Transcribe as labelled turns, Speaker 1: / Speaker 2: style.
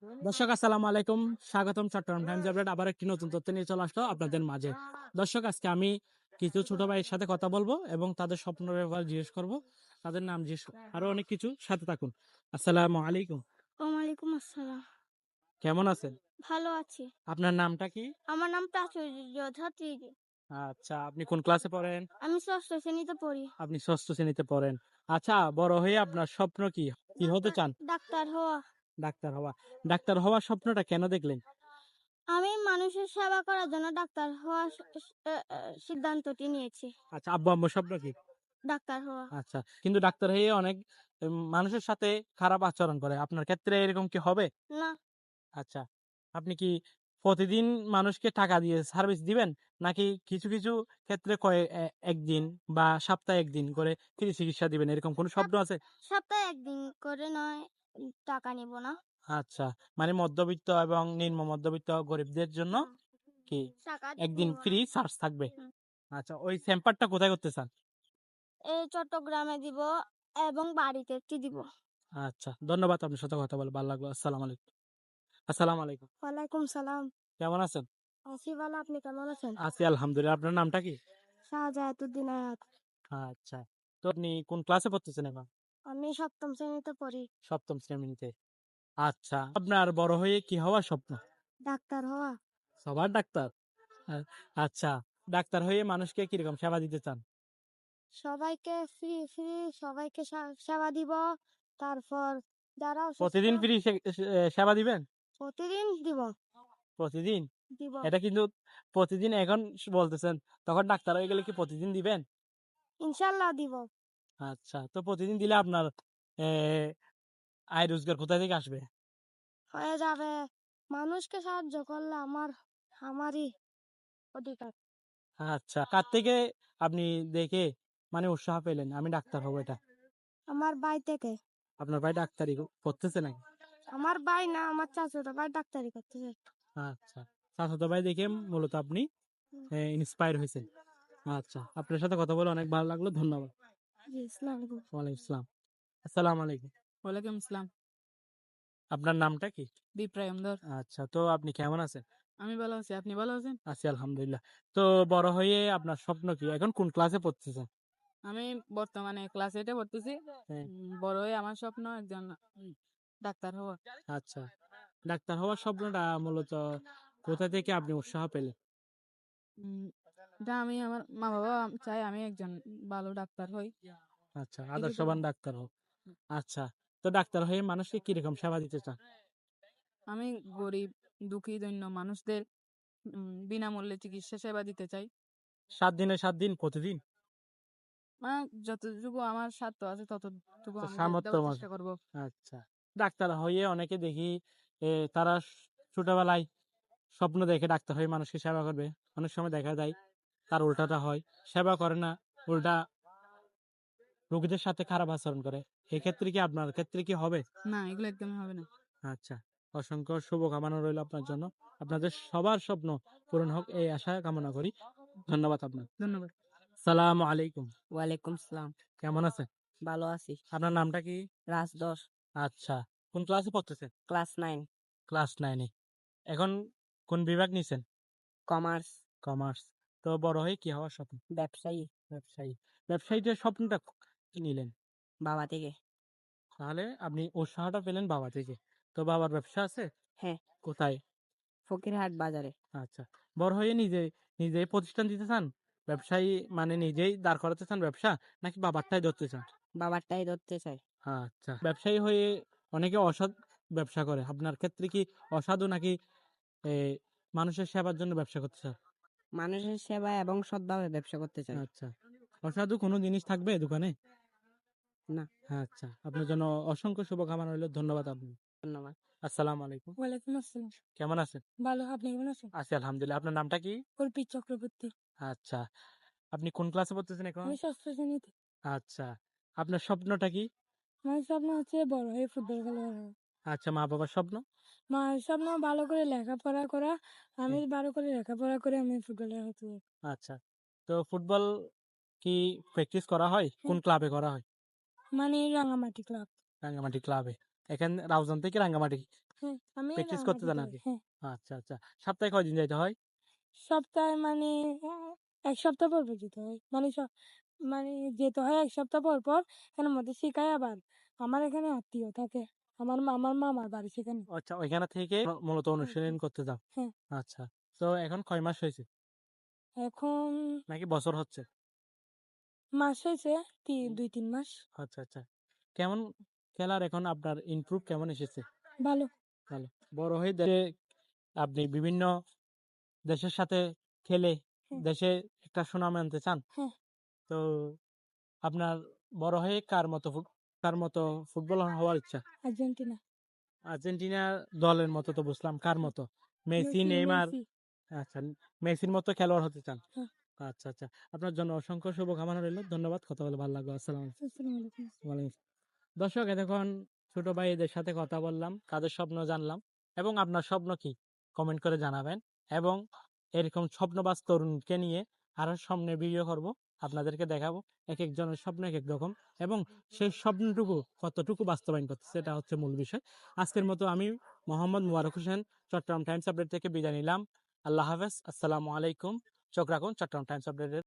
Speaker 1: দর্শক আসসালামু আলাইকুম, স্বাগতম চট্টগ্রাম টাইমস আপডেট আবার একটি নতুন তথ্য নিয়ে চলে আসলো আপনাদের মাঝে। দর্শক আজকে আমি কিছু ছোট ভাইয়ের সাথে কথা বলবো এবং তাদের স্বপ্নের ব্যাপারে জিজ্ঞেস করব, তাদের নাম জিজ্ঞেস আরো অনেক কিছু, সাথে থাকুন। আসসালামু আলাইকুম।
Speaker 2: ওয়ালাইকুম আসসালাম।
Speaker 1: কেমন আছেন?
Speaker 2: ভালো আছি।
Speaker 1: আপনার নামটা কি?
Speaker 2: আমার নাম প্রাচুর্য ছাত্রী।
Speaker 1: আচ্ছা, আপনি কোন ক্লাসে পড়েন?
Speaker 2: আমি ষষ্ঠ শ্রেণীতে পড়ি।
Speaker 1: আপনি ষষ্ঠ শ্রেণীতে পড়েন। আচ্ছা, বড় হয়ে আপনার স্বপ্ন কি? কি হতে চান?
Speaker 2: ডাক্তার হওয়া।
Speaker 1: ডাক্তার হওয়া। ডাক্তার হওয়ার স্বপ্নটা কেন দেখলেন?
Speaker 2: আমি মানুষের সেবা করার জন্য ডাক্তার হওয়ার সিদ্ধান্তটি নিয়েছি।
Speaker 1: আচ্ছা, আব্বু আম্মুর স্বপ্ন কি?
Speaker 2: ডাক্তার হওয়া।
Speaker 1: আচ্ছা, কিন্তু ডাক্তার হয়ে অনেক মানুষের সাথে খারাপ আচরণ করে, আপনার ক্ষেত্রে এরকম কি হবে?
Speaker 2: না,
Speaker 1: আচ্ছা, আপনি কি প্রতিদিন মানুষকে টাকা দিয়ে সার্ভিস দিবেন, নাকি কিছু কিছু ক্ষেত্রে একদিন বা সপ্তাহে একদিন করে ফ্রি চিকিৎসা দিবেন, এরকম কোনো স্বপ্ন আছে?
Speaker 2: সপ্তাহে একদিন করে নয়, টাকা নিব না।
Speaker 1: আচ্ছা, মানে মধ্যবিত্ত এবং নিম্ন মধ্যবিত্ত গরিবদের জন্য কি
Speaker 2: টাকা
Speaker 1: একদিন
Speaker 2: নিব
Speaker 1: ফ্রি
Speaker 2: না।
Speaker 1: চার্জ থাকবে?
Speaker 2: হুম।
Speaker 1: আচ্ছা, ওই সেম্পারটা কোথায় করতে চান?
Speaker 2: এই চট্টগ্রামে দিব এবং বাড়িতে একটি দিব।
Speaker 1: আচ্ছা, ধন্যবাদ, আপনার সাথে কথা বলে ভালো লাগলো। আসসালামু আলাইকুম। আসসালামু আলাইকুম।
Speaker 2: ওয়ালাইকুম সালাম।
Speaker 1: কেমন আছেন?
Speaker 2: আছি ভালো, আপনি কেমন আছেন?
Speaker 1: আছি আলহামদুলিল্লাহ। আপনার নামটা কি?
Speaker 2: শাহজাহাতুদ্দিন আয়াত।
Speaker 1: আচ্ছা, তো আপনি কোন ক্লাসে পড়তেছেন এখন?
Speaker 2: আমি সপ্তম শ্রেণীতে পড়ি।
Speaker 1: সপ্তম শ্রেণীতে। আচ্ছা, আপনার বড় হয়ে কি হওয়ার স্বপ্ন?
Speaker 2: ডাক্তার হওয়া।
Speaker 1: সবার ডাক্তার? আ- আচ্ছা, ডাক্তার হয়ে মানুষকে কিরকম সেবা দিতে চান?
Speaker 2: সবাইকে ফ্রি ফ্রি সবাইকে সেবা দিব। তারপর যারা অসুস্থ
Speaker 1: প্রতিদিন ফ্রি সেবা দিবেন?
Speaker 2: প্রতিদিন দিব।
Speaker 1: প্রতিদিন?
Speaker 2: দিব।
Speaker 1: এটা কিন্তু প্রতিদিন এখন বলতেছেন, তখন ডাক্তার হয়ে গেলে কি প্রতিদিন দিবেন?
Speaker 2: ইনশাল্লাহ দিব।
Speaker 1: আচ্ছা, তো প্রতিদিন দিলে আপনার এ, আয় রোজগার কোথা থেকে আসবে?
Speaker 2: হয়ে যাবে। মানুষকে সাহায্য করলে আমারই অধিকার।
Speaker 1: আচ্ছা, কার থেকে আপনি দেখে মানে উৎসাহ পেলেন আমি ডাক্তার হবো এটা?
Speaker 2: আমার ভাই থেকে।
Speaker 1: আপনার ভাই ডাক্তারি পড়তেছে নাকি?
Speaker 2: আমার ভাই না, আমার চাচাতো ভাই ডাক্তারি করতেছে।
Speaker 1: আচ্ছা, চাচাতো ভাই দেখে মূলত আপনি ইন্সপায়ার হয়েছেন। আচ্ছা, আপনার সাথে কথা বলে অনেক ভালো লাগলো, ধন্যবাদ।
Speaker 2: জি, আসসালামু আলাইকুম।
Speaker 1: ওয়ালাইকুম আসসালাম। আসসালামু আলাইকুম।
Speaker 3: ওয়ালাইকুম আসসালাম।
Speaker 1: আপনার নামটা কি?
Speaker 3: বিপ্রয়ম ধর।
Speaker 1: আচ্ছা, তো আপনি কেমন আছেন?
Speaker 3: আমি ভালো আছি, আপনি ভালো আছেন?
Speaker 1: আছি আলহামদুলিল্লাহ। তো বড় হয়ে আপনার স্বপ্ন কি? এখন কোন ক্লাসে পড়তেছেন?
Speaker 3: আমি বর্তমানে ক্লাস 8 এ পড়তেছি।
Speaker 1: হ্যাঁ।
Speaker 3: বড় হয়ে আমার স্বপ্ন একজন ডাক্তার হওয়া।
Speaker 1: আচ্ছা, ডাক্তার হওয়ার স্বপ্নটা মূলত কোথা থেকে আপনি উৎসাহ পেলেন?
Speaker 3: উম, এটা আমি আমার মা বাবা চাই আমি একজন ভালো ডাক্তার হই।
Speaker 1: আচ্ছা,
Speaker 3: কিছু
Speaker 1: আদর্শবান ডাক্তার হোক। আচ্ছা, তো ডাক্তার হয়ে মানুষকে কিরকম সেবা দিতে চান?
Speaker 3: আমি গরিব দুঃখী দৈন্য মানুষদের বিনামূল্যে চিকিৎসা সেবা দিতে চাই।
Speaker 1: 7 দিনে 7 দিন প্রতিদিন?
Speaker 3: মানে যতটুকু আমার সাধ্য আছে ততটুকু
Speaker 1: তো
Speaker 3: আমি
Speaker 1: সামর্থ্য
Speaker 3: দেওয়ার
Speaker 1: মতো।
Speaker 3: চেষ্টা করব।
Speaker 1: আচ্ছা, ডাক্তার হয়ে অনেকে দেখি তারা ছোটবেলায় স্বপ্ন দেখে ডাক্তার হয়ে মানুষকে সেবা করবে। অনেক সময় দেখা যায় তার উল্টাটা হয়, সেবা করে না, উল্টা রোগীদের সাথে খারাপ আচরণ করে। এক্ষেত্রে কি আপনার ক্ষেত্রে কি হবে?
Speaker 3: না, এগুলো একদমই হবে না।
Speaker 1: আচ্ছা, অসংখ্য শুভকামনা রইল আপনার জন্য। আপনাদের সবার স্বপ্ন পূরণ হোক এই আশা কামনা করি। ধন্যবাদ আপনার।
Speaker 3: ধন্যবাদ।
Speaker 1: সালামু আলাইকুম।
Speaker 3: ওয়ালাইকুম সালাম।
Speaker 1: কেমন আছেন?
Speaker 3: ভালো আছি।
Speaker 1: আপনার নামটা কি?
Speaker 3: রাজদোষ।
Speaker 1: আচ্ছা, কোন ক্লাসে পড়তেছেন?
Speaker 3: ক্লাস 9
Speaker 1: ক্লাস 9-এ। এখন কোন বিভাগ নিছেন?
Speaker 3: কমার্স।
Speaker 1: কমার্স। তো বড় হয়ে কি হওয়ার স্বপ্ন?
Speaker 3: ব্যবসায়ী।
Speaker 1: ব্যবসায়ী। ব্যবসায়ীদের স্বপ্নটা কি নিলেন?
Speaker 3: বাবা থেকে।
Speaker 1: তাহলে আপনি উৎসাহটা পেলেন বাবা থেকে। তো বাবার ব্যবসা আছে?
Speaker 3: হ্যাঁ।
Speaker 1: কোথায়?
Speaker 3: ফকিরহাট বাজারে।
Speaker 1: আচ্ছা, বড় হয়ে নিজেই প্রতিষ্ঠান দিতে চান? ব্যবসায়ী মানে নিজেই দাঁড় করাতে চান ব্যবসা, নাকি বাবারটাই ধরতে চান?
Speaker 3: বাবারটাই ধরতে চাই।
Speaker 1: আচ্ছা, ব্যবসায়ী হয়ে অনেকে অসৎ ব্যবসা করে। আপনার ক্ষেত্রে কি অসাধু, নাকি এ, মানুষের সেবার জন্য ব্যবসা করতে চান?
Speaker 3: মানুষের সেবা এবং সৎভাবে ব্যবসা করতে চাই।
Speaker 1: আচ্ছা, অসাধু কোনো জিনিস থাকবে দোকানে?
Speaker 3: না।
Speaker 1: আচ্ছা, আপনার জন্য অসংখ্য শুভকামনা রইল, ধন্যবাদ আপনি।
Speaker 3: ধন্যবাদ।
Speaker 1: আসসালামু আলাইকুম।
Speaker 2: ওয়ালাইকুম আসসালাম।
Speaker 1: কেমন আছেন?
Speaker 2: ভালো, আপনি কেমন আছেন?
Speaker 1: আছি আলহামদুলিল্লাহ। আপনার নামটা কি?
Speaker 2: কল্পিত চক্রবর্তী।
Speaker 1: আচ্ছা, আপনি কোন ক্লাসে পড়তেছেন এখন?
Speaker 2: আমি ষষ্ঠ শ্রেণীতে।
Speaker 1: আচ্ছা, আপনার স্বপ্নটা কি?
Speaker 2: আমার স্বপ্ন হচ্ছে বড় হয়ে ফুটবল খেলোয়াড় হওয়া।
Speaker 1: আচ্ছা, মা বাবার স্বপ্ন?
Speaker 2: মার স্বপ্ন ভালো করে লেখাপড়া করা। আমি
Speaker 1: হুম,
Speaker 2: ভালো করে লেখাপড়া করে আমি ফুটবলার হতে চাই।
Speaker 1: আচ্ছা, তো ফুটবল কি প্র্যাকটিস করা হয়? কোন ক্লাবে করা হয়?
Speaker 2: মানে রাঙামাটি ক্লাব।
Speaker 1: রাঙ্গামাটি ক্লাবে। এখানে রাউজান থেকে রাঙ্গামাটি
Speaker 2: হ্যাঁ, আমি
Speaker 1: প্র্যাকটিস করতে যান আর কি?
Speaker 2: হ্যাঁ,
Speaker 1: আচ্ছা আচ্ছা। সপ্তাহে কয়দিন যাইতে হয়?
Speaker 2: সপ্তাহে মানে এক সপ্তাহ পর পর যেতে হয় মানে যেতে হয় এক সপ্তাহ পর পর। এর মধ্যে শিখায় আবার আমার এখানে আত্মীয় থাকে, আমার মামার বাড়ি সেখানে।
Speaker 1: আচ্ছা, ওইখানে থেকে মূলত অনুশীলন করতে যাও।
Speaker 2: হ্যাঁ,
Speaker 1: আচ্ছা। তো এখন কয় মাস হয়েছে?
Speaker 2: এখন
Speaker 1: নাকি বছর হচ্ছে?
Speaker 2: মাস হয়েছে 2-3 মাস।
Speaker 1: আচ্ছা আচ্ছা। কেমন খেলার এখন আপনার ইমপ্রুভ কেমন এসেছে?
Speaker 2: ভালো।
Speaker 1: ভালো। বড় হয়ে আপনি বিভিন্ন দেশের সাথে খেলে
Speaker 2: হ্যাঁ,
Speaker 1: দেশে একটা সুনাম আনতে চান।
Speaker 2: হ্যাঁ,
Speaker 1: তো আপনার বড় হয়ে কার মতো ফুটবলার হওয়ার ইচ্ছা?
Speaker 2: আর্জেন্টিনা।
Speaker 1: আর্জেন্টিনা দলের মতো তো বুঝলাম, কার
Speaker 2: হ্যাঁ,
Speaker 1: মতো? Messi, Neymar?
Speaker 2: মেসি।
Speaker 1: আচ্ছা, মেসির মতো খেলোয়াড় হতে চান?
Speaker 2: হ্যাঁ,
Speaker 1: আচ্ছা আচ্ছা। আপনার জন্য অসংখ্য শুভকামনা রইল। ধন্যবাদ। কথা বলে ভালো লাগলো। আসসালামু আলাইকুম।
Speaker 2: আসসালামু আলাইকুম।
Speaker 1: ওয়ালাইকুম আসসালাম। দর্শক, এতক্ষণ ছোট ভাই এদের সাথে কথা বললাম, তাদের স্বপ্ন জানলাম এবং আপনার স্বপ্ন কি কমেন্ট করে জানাবেন এবং এরকম স্বপ্নবাজ তরুণকে নিয়ে আরো সামনে ভিডিও করব, আপনাদেরকে দেখাবো এক একজনের স্বপ্ন এক এক রকম এবং সেই স্বপ্নটুকু কতটুকু বাস্তবায়ন করতে, সেটা হচ্ছে মূল বিষয়। আজকের মতো আমি মোহাম্মদ মুবারক হোসেন চট্টগ্রাম টাইমস আপডেট থেকে বিদায় নিলাম। আল্লাহ হাফেজ। আসসালামু আলাইকুম। চোখ রাখুন চট্টগ্রাম টাইমস আপডেটের